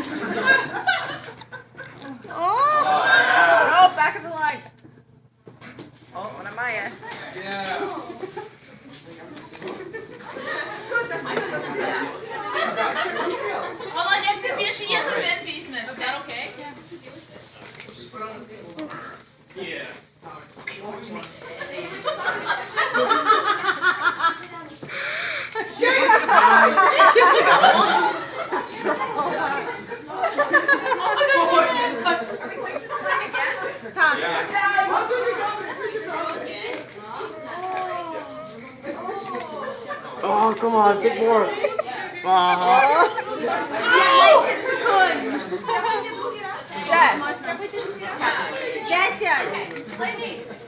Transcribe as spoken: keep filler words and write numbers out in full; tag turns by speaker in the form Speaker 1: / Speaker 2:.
Speaker 1: Oh!
Speaker 2: No, back of the line. Oh, what am I at?
Speaker 3: Yeah.
Speaker 4: Володя, як ти більше є годин візьме, то це окей?
Speaker 3: Yeah.
Speaker 1: Tom.
Speaker 5: Oh, come on, get more. Oh.
Speaker 1: п'ятнадцять секунд.
Speaker 2: Ще.
Speaker 1: Можна? десять.